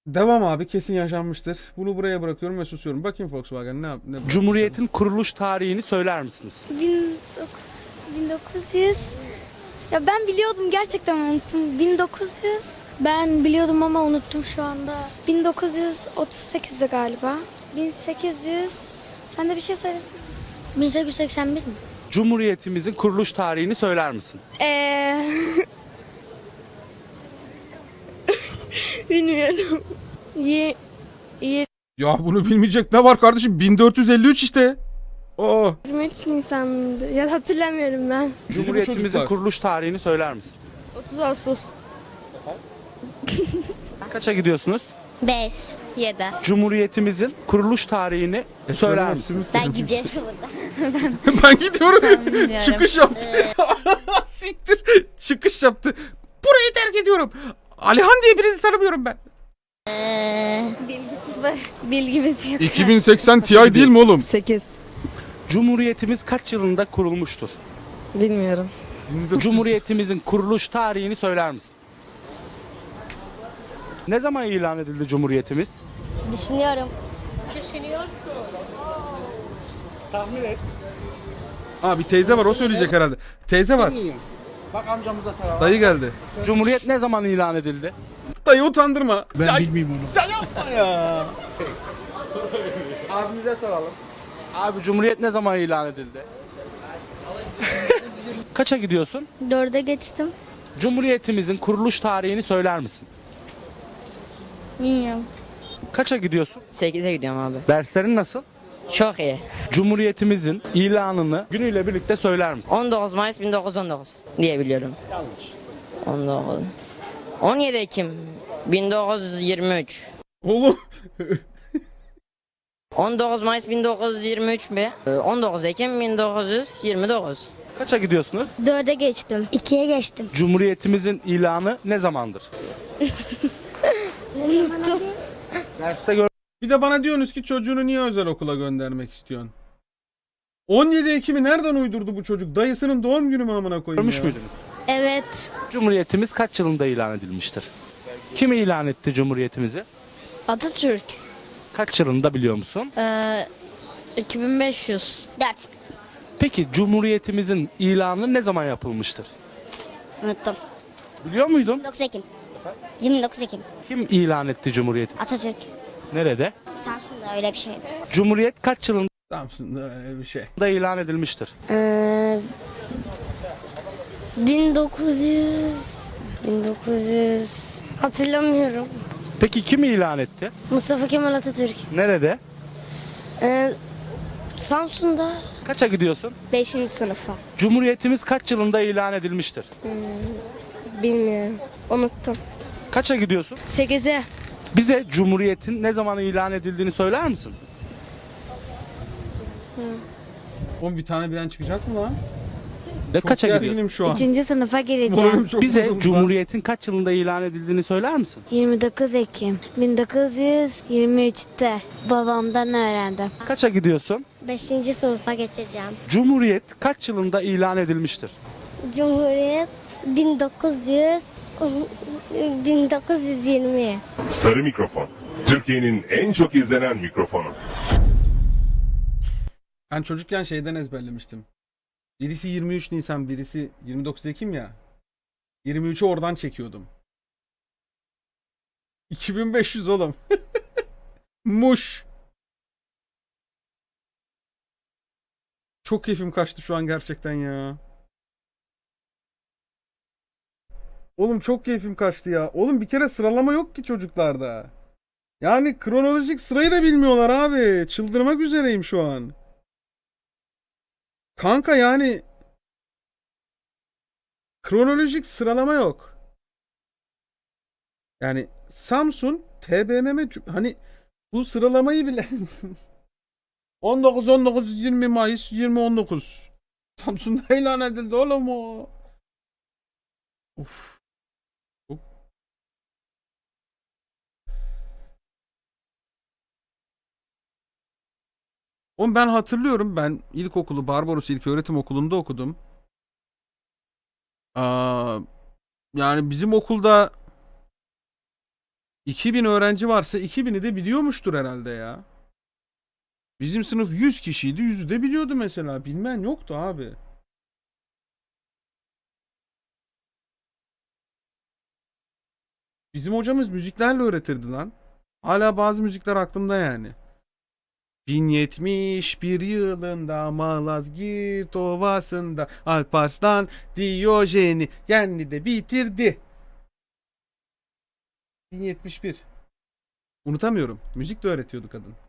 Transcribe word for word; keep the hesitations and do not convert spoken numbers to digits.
Devam abi, kesin yaşanmıştır. Bunu buraya bırakıyorum ve susuyorum. Bakayım Volkswagen ne yap ne Cumhuriyet'in kuruluş tarihini söyler misiniz? bin dokuz yüz. Ya ben biliyordum, gerçekten unuttum. bin dokuz yüz. Ben biliyordum ama unuttum şu anda. bin dokuz yüz otuz sekizde galiba. bin sekiz yüz. Sen de bir şey söyledin. bin sekiz yüz seksen bir mi? Cumhuriyetimizin kuruluş tarihini söyler misin? Eee... Bilmiyorum. Ye, ye, Ya bunu bilmeyecek ne var kardeşim? bin dört yüz elli üç işte. Oo. yirmi üç Nisan'dı. Ya hatırlamıyorum ben. Cumhuriyetimizin çocuklar. kuruluş tarihini söyler misin? otuz Ağustos. Kaça gidiyorsunuz? beş, yedi. Cumhuriyetimizin kuruluş tarihini söyler misiniz? Ben gidiyorum burada. Ben gidiyorum. bilmiyorum. Çıkış yaptı. Siktir. Çıkış yaptı. Burayı terk ediyorum. Alihan diye birini tanımıyorum ben. Ee, bilgisi var. Bilgimiz yok. iki bin seksen Ti değil mi oğlum? sekiz. Cumhuriyetimiz kaç yılında kurulmuştur? Bilmiyorum. Cumhuriyetimizin kuruluş tarihini söyler misin? Ne zaman ilan edildi Cumhuriyetimiz? Düşünüyorum. Abi teyze var, o söyleyecek herhalde. Teyze var. Bak amcamıza soralım. Dayı geldi. Cumhuriyet ne zaman ilan edildi? Dayı utandırma. Ben Ya, bilmiyorum onu. ya yapma ya. Abimize soralım. Abi Cumhuriyet ne zaman ilan edildi? Kaça gidiyorsun? Dörde geçtim. Cumhuriyetimizin kuruluş tarihini söyler misin? Bilmiyorum. Kaça gidiyorsun? sekize gidiyorum abi. Derslerin nasıl? Çok iyi. Cumhuriyetimizin ilanını günüyle birlikte söyler misin? on dokuz Mayıs bin dokuz yüz on dokuz diye biliyorum. Yanlış. on dokuz. on yedi Ekim bin dokuz yüz yirmi üç. Oğlum. on dokuz Mayıs bin dokuz yüz yirmi üç mi? Ee, on dokuz Ekim bin dokuz yüz yirmi dokuz. Kaça gidiyorsunuz? Dörde geçtim. İkiye geçtim. Cumhuriyetimizin ilanı ne zamandır? Unuttum. Derste gör Bir de bana diyorsunuz ki çocuğunu niye özel okula göndermek istiyorsun? on yedi Ekim'i nereden uydurdu bu çocuk? Dayısının doğum günü mü amına koyayım görmüş ya? müydünüz? Evet. Cumhuriyetimiz kaç yılında ilan edilmiştir? Kim ilan etti Cumhuriyetimizi? Atatürk. Kaç yılında biliyor musun? Ee, iki bin beş yüz. Dört. Peki Cumhuriyetimizin ilanı ne zaman yapılmıştır? Unuttum. Biliyor muydun? yirmi dokuz Ekim. yirmi dokuz Ekim. Kim ilan etti Cumhuriyeti? Atatürk. Nerede? Samsun'da öyle bir şeydi. Cumhuriyet kaç yılında Samsun'da öyle bir şey. ilan edilmiştir? Ee, bin dokuz yüz. bin dokuz yüz. Hatırlamıyorum. Peki kim ilan etti? Mustafa Kemal Atatürk. Nerede? Ee, Samsun'da. Kaça gidiyorsun? Beşinci sınıfa. Cumhuriyetimiz kaç yılında ilan edilmiştir? Bilmiyorum. Unuttum. Kaça gidiyorsun? Sekize. Bize Cumhuriyet'in ne zaman ilan edildiğini söyler misin? Oğlum bir tane birden çıkacak mı lan? Ve Çok kaça gidiyorsun? gerginim şu an. Üçüncü sınıfa gireceğim. Moralim çok Bize bozuldu lan. Cumhuriyet'in kaç yılında ilan edildiğini söyler misin? yirmi dokuz Ekim bin dokuz yüz yirmi üçte babamdan öğrendim. Kaça gidiyorsun? Beşinci sınıfa geçeceğim. Cumhuriyet kaç yılında ilan edilmiştir? Cumhuriyet bin dokuz yüz bin dokuz yüz yirmi. Sarı Mikrofon. Türkiye'nin en çok izlenen mikrofonu. Ben çocukken şeyden ezberlemiştim. Birisi yirmi üç Nisan, birisi yirmi dokuz Ekim ya. yirmi üçü oradan çekiyordum. iki bin beş yüz oğlum. Muş. Çok keyfim kaçtı şu an gerçekten ya. Oğlum çok keyfim kaçtı ya. Oğlum bir kere sıralama yok ki çocuklarda. Yani kronolojik sırayı da bilmiyorlar abi. Çıldırmak üzereyim şu an. Kanka yani kronolojik sıralama yok. Yani Samsun, T B M M hani bu sıralamayı bile on dokuz on dokuz yirmi Mayıs yirmi on dokuz Samsun'da ilan edildi oğlum o. Uf. Uf. Oğlum ben hatırlıyorum, ben ilkokulu Barbaros İlköğretim Okulu'nda okudum. Aa, yani bizim okulda iki bin öğrenci varsa iki bini de biliyormuştur herhalde ya. Bizim sınıf yüz kişiydi. yüzü de biliyordu mesela. Bilmeyen yoktu abi. Bizim hocamız müziklerle öğretirdi lan. Hala bazı müzikler aklımda yani. bin yetmiş bir yılında Malazgirt Ovası'nda Alparslan Diyojen'i yendi de bitirdi. bin yetmiş bir. Unutamıyorum. Müzik de öğretiyordu kadın.